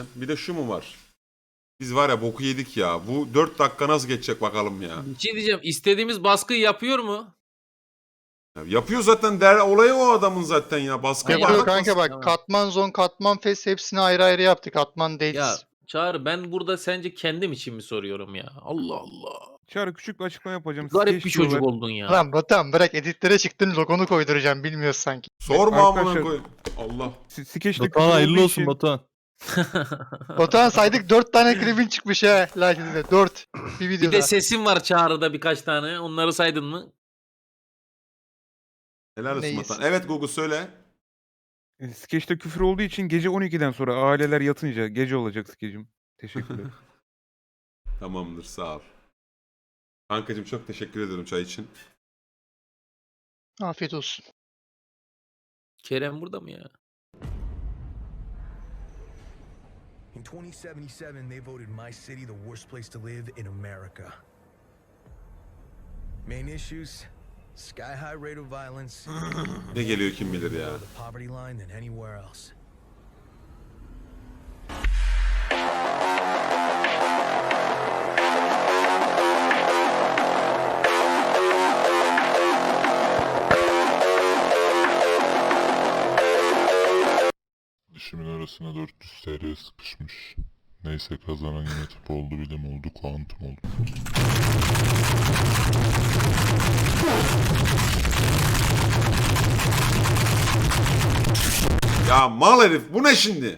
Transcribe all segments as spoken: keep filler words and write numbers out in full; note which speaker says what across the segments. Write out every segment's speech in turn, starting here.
Speaker 1: Bir de şu mu var? Biz var ya boku yedik ya. Bu dört dakika nasıl geçecek bakalım ya.
Speaker 2: Bir şey diyeceğim. İstediğimiz baskıyı yapıyor mu?
Speaker 1: Ya yapıyor zaten, der olayı o adamın zaten ya. Baskı
Speaker 2: Yapıyor
Speaker 3: Yapıyor
Speaker 1: yapmak.
Speaker 3: kanka bak.
Speaker 2: Tamam.
Speaker 3: Katman zon, katman fes hepsini ayrı ayrı yaptık. Katman
Speaker 2: Ya
Speaker 3: değiliz.
Speaker 2: Çağrı, ben burada sence kendim için mi soruyorum ya? Allah Allah.
Speaker 4: Çağrı küçük bir açıklama yapacağım.
Speaker 2: Garip
Speaker 4: Skeç
Speaker 2: bir çocuk
Speaker 4: diyorlar.
Speaker 2: oldun ya.
Speaker 3: Lan Batuhan bırak, editlere çıktın, logonu koyduracağım, bilmiyoruz sanki.
Speaker 1: Sorma amına
Speaker 4: Arkadaşlar-
Speaker 1: koyayım. Allah.
Speaker 4: S- Skeçte küfür
Speaker 5: Batuhan hayırlı
Speaker 4: olduğu
Speaker 5: olsun
Speaker 4: için-
Speaker 5: Batuhan.
Speaker 3: Batuhan saydık, dört tane klibin çıkmış ha. Lakin dört bir
Speaker 2: Bir
Speaker 3: videoda.
Speaker 2: de sesim var Çağrı'da birkaç tane. Onları saydın mı?
Speaker 1: Helal olsun
Speaker 3: Neyiz?
Speaker 1: Batuhan. Evet Google söyle.
Speaker 4: E, Skeçte küfür olduğu için gece on ikiden sonra aileler yatınca gece olacak skecim. Teşekkürler.
Speaker 1: Tamamdır, sağ ol. Kankacığım çok teşekkür ederim çay için.
Speaker 3: Afiyet olsun.
Speaker 2: Kerem burada mı ya?
Speaker 6: In twenty seventy-seven, they voted my city the worst place to live in America. Main issues: sky high rate of violence,
Speaker 1: Ne geliyor kim bilir ya.
Speaker 6: the poverty line than anywhere else.
Speaker 7: Dişimin arasına dört yüz T L sıkışmış. Neyse, kazanan yine tıp oldu, bilim oldu, kuantum oldu.
Speaker 1: Ya mal herif, bu ne şimdi?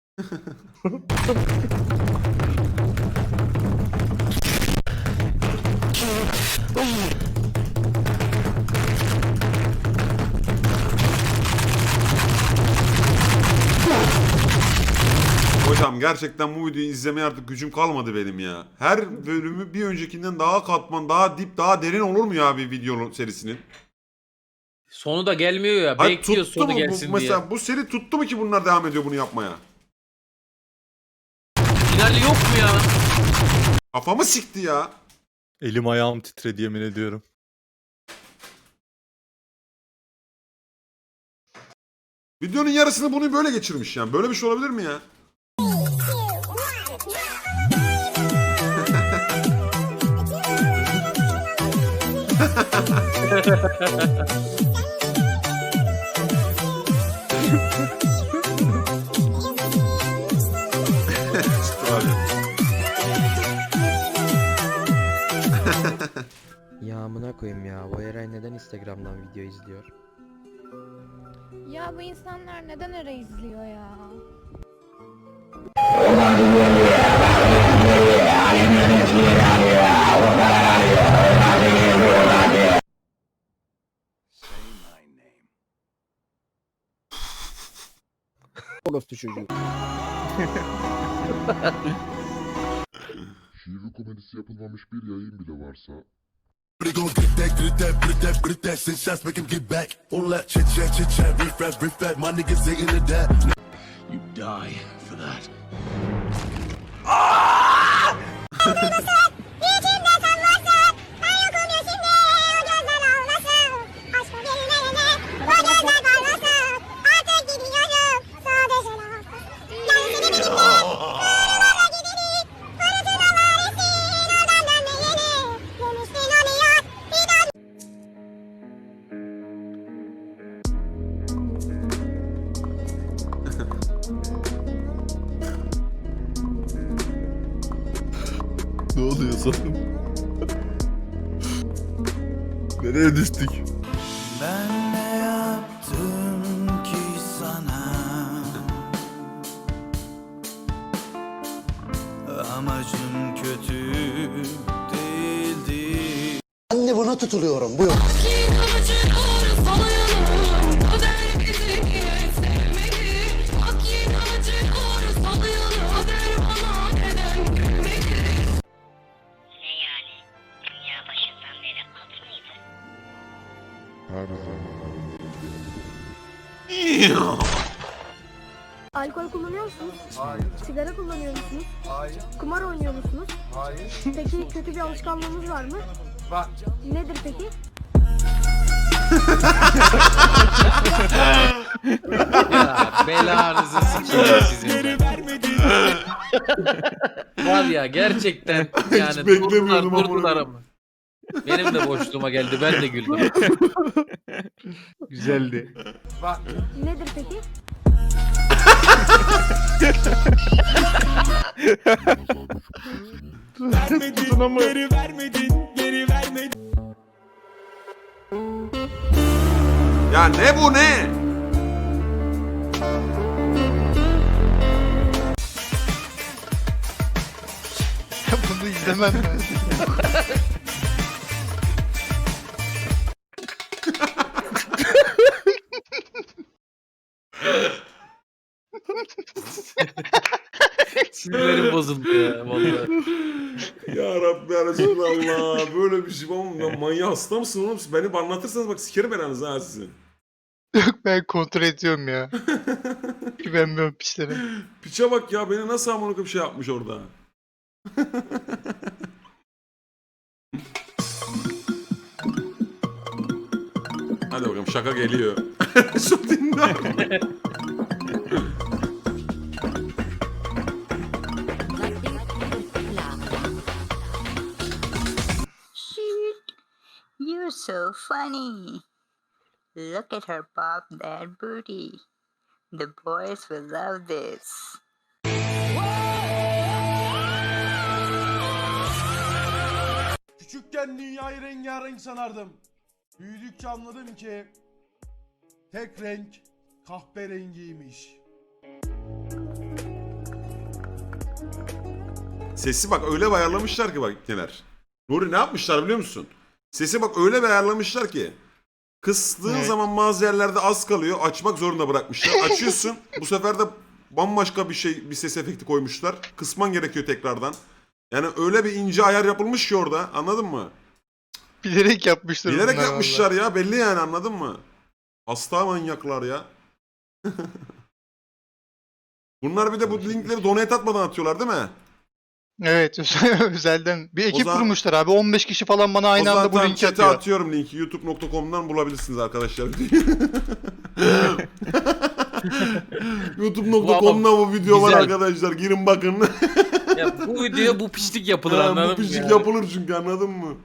Speaker 1: Hocam gerçekten bu videoyu izlemeye artık gücüm kalmadı benim ya. Her bölümü bir öncekinden daha katman, daha dip, daha derin olur mu ya bir video serisinin?
Speaker 2: Sonu da gelmiyor ya.
Speaker 1: Hayır,
Speaker 2: Bekliyor
Speaker 1: tuttu
Speaker 2: sonu
Speaker 1: mu bu,
Speaker 2: gelsin
Speaker 1: mesela
Speaker 2: diye.
Speaker 1: bu seri tuttu mu ki bunlar devam ediyor bunu yapmaya?
Speaker 2: Finali yok mu ya?
Speaker 1: Kafamı sikti ya.
Speaker 5: Elim ayağım titredi yemin ediyorum.
Speaker 1: Videonun yarısını bunu böyle geçirmiş yani. Böyle bir şey olabilir mi ya?
Speaker 8: Ya amına koyayım ya. Bu Eray neden Instagram'dan video izliyor?
Speaker 9: Ya bu insanlar neden öyle izliyor ya?
Speaker 8: Orospu çocuğu.
Speaker 7: Şiir komedisi yapılmamış bir yayın bile varsa
Speaker 6: You die for that.
Speaker 5: Ne oluyor sanırım? Nereye düştük?
Speaker 10: Ben ne yaptım ki sana? Amacım kötü değildi.
Speaker 11: Ben de buna tutuluyorum. Buyur.
Speaker 7: her zaman
Speaker 9: Alkol kullanıyor musunuz? Hayır. Sigara kullanıyor musunuz? Hayır. Kumar oynuyor musunuz? Hayır. Peki kötü bir alışkanlığınız var mı? Var. Nedir peki?
Speaker 2: Ya belanızı sikeyim sizin. ben. Var ya gerçekten yani
Speaker 1: beklemiyordum
Speaker 2: durdular,
Speaker 1: ama
Speaker 2: durdular
Speaker 1: bunu.
Speaker 2: ama. Benim de boşluğuma geldi ben de güldüm.
Speaker 4: Güzeldi.
Speaker 9: Nedir peki?
Speaker 1: Ya ne bu ne?
Speaker 3: Bunu izlemem ben.
Speaker 2: Sinirlerim bozuldu ya vallahi.
Speaker 1: Ya Rabbi ya Resulallah. Böyle bir şey var mı? Ya manyak hasta mısın oğlum? Siz beni anlatırsanız bak sikerim belanızı ha sizin.
Speaker 3: Yok ben kontrol ediyorum ya. Güvenmiyorum piçlere.
Speaker 1: Piçe bak ya beni nasıl amına bir şey yapmış orada. Hadi bakalım şaka geliyor. Şu dinle.
Speaker 9: Shit, you're so funny. Look at her pop that booty. The boys will love this.
Speaker 6: Küçükken dünyayı rengarenk sanardım. Büyüdükçe anladım ki tek renk kahverengiymiş.
Speaker 1: Sesi bak öyle bir ayarlamışlar ki bak neler. Nuri ne yapmışlar biliyor musun? Sesi bak öyle bir ayarlamışlar ki. Kıstığın
Speaker 3: Evet.
Speaker 1: zaman bazı yerlerde az kalıyor. Açmak zorunda bırakmışlar. Açıyorsun. Bu sefer de bambaşka bir şey, bir ses efekti koymuşlar. Kısman gerekiyor tekrardan. Yani öyle bir ince ayar yapılmış ki orada. Anladın mı?
Speaker 3: Bilerek yapmışlar.
Speaker 1: Bilerek
Speaker 3: bunlar
Speaker 1: yapmışlar ya. Belli yani anladın mı? Hasta manyaklar ya. Bunlar bir de bu linkleri donate atmadan atıyorlar değil mi?
Speaker 3: vallahi. Evet özelden. Bir ekip
Speaker 1: zaman-
Speaker 3: kurmuşlar abi. on beş kişi falan bana aynı
Speaker 1: o
Speaker 3: anda bu
Speaker 1: zaten
Speaker 3: linki
Speaker 1: chat'e
Speaker 3: atıyor.
Speaker 1: atıyorum linki. youtube nokta com'dan bulabilirsiniz arkadaşlar. youtube nokta com'da bu video var
Speaker 2: Güzel.
Speaker 1: arkadaşlar. Girin bakın.
Speaker 2: Ya bu videoya bu pislik yapılır
Speaker 1: Ha,
Speaker 2: anladın
Speaker 1: bu
Speaker 2: mı
Speaker 1: pişik
Speaker 2: ya?
Speaker 1: yapılır çünkü anladın mı?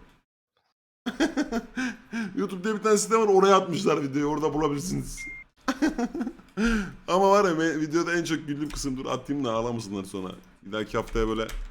Speaker 1: YouTube'da bir tane site var oraya atmışlar videoyu orada bulabilirsiniz. Ama var ya me- videoda en çok güldüğüm kısım dur atayım da ağlamasınlar sonra. Bir dahaki haftaya böyle